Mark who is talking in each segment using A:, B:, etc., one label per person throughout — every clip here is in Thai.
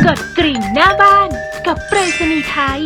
A: กดกริ่งหน้าบ้านกับไปรษณีย์ไทย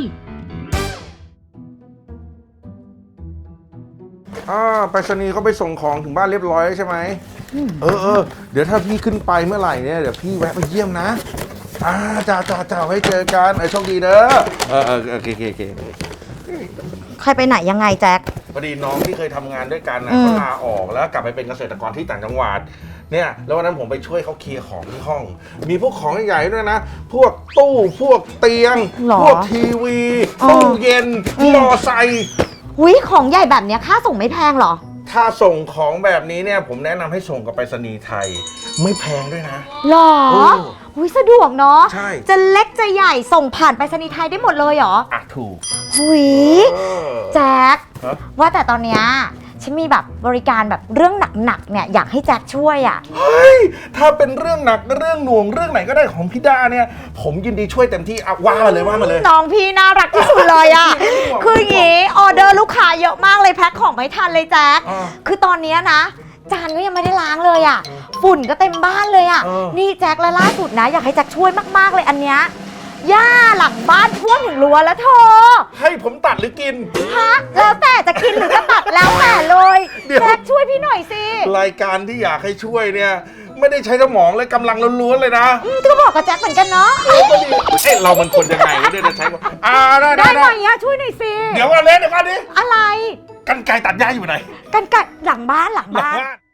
B: ไปรษณีย์เขาไปส่งของถึงบ้านเรียบร้อยใช่ไหมเดี๋ยวถ้าพี่ขึ้นไปเมื่อไหร่เนี่ยเดี๋ยวพี่แวะไปเยี่ยมนะจ้าไว้เจอกันโชคดีเด้อโอเค
C: ใครไปไหนยังไงแจ็ค
B: พอดีน้องที่เคยทำงานด้วยกันนะเขาลาออกแล้วกลับไปเป็นเกษตรกรที่ต่างจังหวัดเนี่ยแล้ววันนั้นผมไปช่วยเขาเคลียร์ของที่ห้องมีพวกของใหญ่ๆด้วยนะพวกตู้พวกเตียงพวกทีวีตู้เย็นมอไซค์
C: ของใหญ่แบบนี้ค่าส่งไม่แพงหรอ
B: ถ้าส่งของแบบนี้เนี่ยผมแนะนำให้ส่งกับไปรษณีย์ไทยไม่แพงด้วยนะ
C: หรอสะดวกเนาะ
B: ใช่
C: จะเล็กจะใหญ่ส่งผ่านไปรษณีย์ไทยได้หมดเลยเหรอ
B: ถูก
C: แจ็คว่าแต่ตอนเนี้ยฉันมีแบบบริการแบบเรื่องหนักๆเนี่ยอยากให้แจ็คช่วย
B: เฮ้ยถ้าเป็นเรื่องหนักเรื่องหน่วงเรื่องไหนก็ได้ของพี่ดาเนี่ยผมยินดีช่วยเต็มที่ว่ามาเลย
C: น้องพี่น่ารักที่สุดเลยคืออย่างงี้ออเดอร์ลูกค้าเยอะมากเลยแพ็คของไม่ทันเลยแจ็คคือตอนนี้นะจานก็ยังไม่ได้ล้างเลยฝุ่นก็เต็มบ้านเลยนี่แจ็คและล่าสุดนะอยากให้แจ็คช่วยมากๆเลยอันเนี้ยหญ้าหลังบ้านท่วมถึงรั้วแล้วเธอ
B: ให้ผมตัดหรือกิน
C: แล้วแต่จะกินหรือจะตัดแล้วแต่เลยแจ็คช่วยพี่หน่อยสิ
B: รายการที่อยากให้ช่วยเนี่ยไม่ได้ใช้สมองเลยกำลังล้วนๆเลยนะ
C: ก็บอกกับแจ็คเหมือนกันเนาะ
B: เรามันคนยังไงไม่ได้ใช้
C: ได้ไหมช่วยหน่อยสิ
B: เดี๋ยวก่อนดิ
C: อะไร
B: กรรไกรตัดหญ้าอยู่ไหน
C: กรรไกรหลังบ้าน